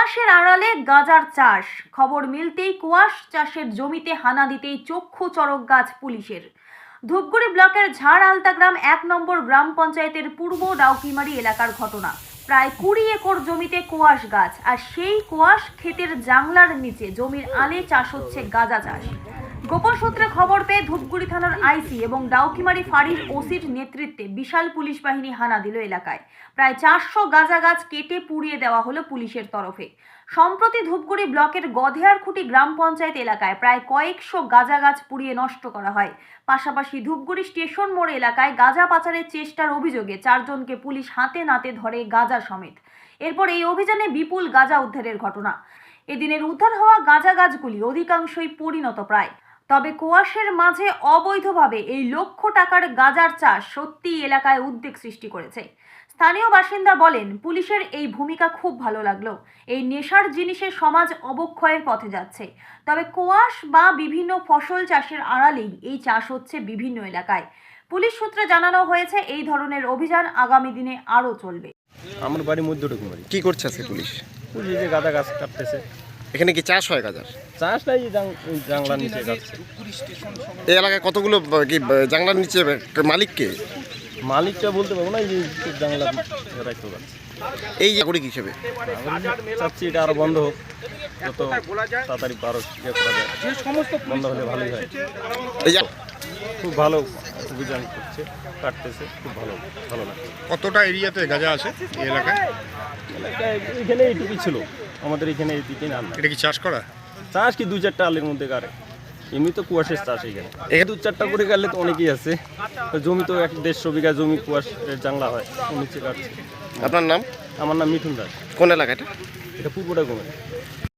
কুয়াশের আড়ালে গাঁজার চাষ। খবর মিলতেই কুয়াশ চাষের জমিতে হানা দিতেই চক্ষু চড়ক গাছ পুলিশের। ধূপগুড়ি ব্লকের ঝাড় আলতা গ্রাম 1 নম্বর গ্রাম পঞ্চায়েতের পূর্ব ডাউকিমারি এলাকার ঘটনা। প্রায় 20 একর জমিতে কুয়াশ গাছ, আর সেই কুয়াশ ক্ষেতের জাংলার নিচে জমির আলে চাষ হচ্ছে গাঁজা চাষ। গোপন সূত্রে খবর পেয়ে ধূপগুড়ি থানার আইসি এবং ডাউকিমারি ফাঁড়ির ওসির নেতৃত্বে বিশাল পুলিশ বাহিনী হানা দিল এলাকায়। প্রায় 400 গাঁজা গাছ কেটে পুড়িয়ে দেওয়া হলো পুলিশের তরফে। সম্প্রতি ধূপগুড়ি ব্লকের গধেয়ারখুঁটি গ্রাম পঞ্চায়েত এলাকায় প্রায় কয়েকশো গাঁজা গাছ পুড়িয়ে নষ্ট করা হয়। পাশাপাশি ধূপগুড়ি স্টেশন মোড় এলাকায় গাঁজা পাচারের চেষ্টার অভিযোগে 4 জনকে পুলিশ হাতে নাতে ধরে গাঁজা সমেত। এরপর এই অভিযানে বিপুল গাঁজা উদ্ধারের ঘটনা। এদিনের উদ্ধার হওয়া গাঁজা গাছগুলি অধিকাংশই পরিণত প্রায়। তবে কুয়াশের মাঝে অবৈধভাবে এই লক্ষ টাকার গাঁজার চাষ সত্যি এলাকায় উদ্বেগ সৃষ্টি করেছে। স্থানীয় বাসিন্দা বলেন, পুলিশের এই ভূমিকা খুব ভালো লাগলো। এই নেশার জিনিসে সমাজ অবক্ষয়ের পথে যাচ্ছে। তবে কুয়াশ বা বিভিন্ন ফসল চাষের আড়ালেই এই চাষ হচ্ছে বিভিন্ন এলাকায়। পুলিশ সূত্রে জানানো হয়েছে এই ধরনের অভিযান আগামী দিনে আরও চলবে। আমার বাড়ি মধ্যটুকুমারি। কি করছে আজকে পুলিশ? পুলিশ যে গাঁদা গাছ কাটতেছে। এখানে কি চাষ হয় গাঁজার? চাষ নাই, জাংলার নিচে কাটছে। এই এলাকায় কতগুলো কি জাংলার নিচে মালিক কে? মালিকটা বলতে পারবো না, এই যে জাংলা রাখতে পারছে। এই নাগরিক হিসেবে চাচ্ছি এটা আরো বন্ধ হোক, যত তাড়াতাড়ি পারো ইয়ে করা যায়। বন্ধ হলে ভালোই হয়। এই যে খুব ভালো অভিযান করছে, কাটতেছে, খুব ভালো ভালো লাগছে। কতটা এরিয়াতে গাঁজা আছে এই এলাকায়? এলাকায় এখানে এইটুকুই ছিল, আমাদের এখানে এইদিকে না। এটা কি চাষ করা? চাষ কি 2-4টা আলের মধ্যে কারে, এমনি তো কুয়াশের চাষ এখানে 2-4টা করে গেলে তো অনেকেই আছে। জমি তো 150 বিঘা জমি কুয়াশের জাংলা হয়, নিচে কাটছে। আপনার নাম? আমার নাম মিঠুন দাস। কোন এলাকাটা? এটা পূর্বটা কমে।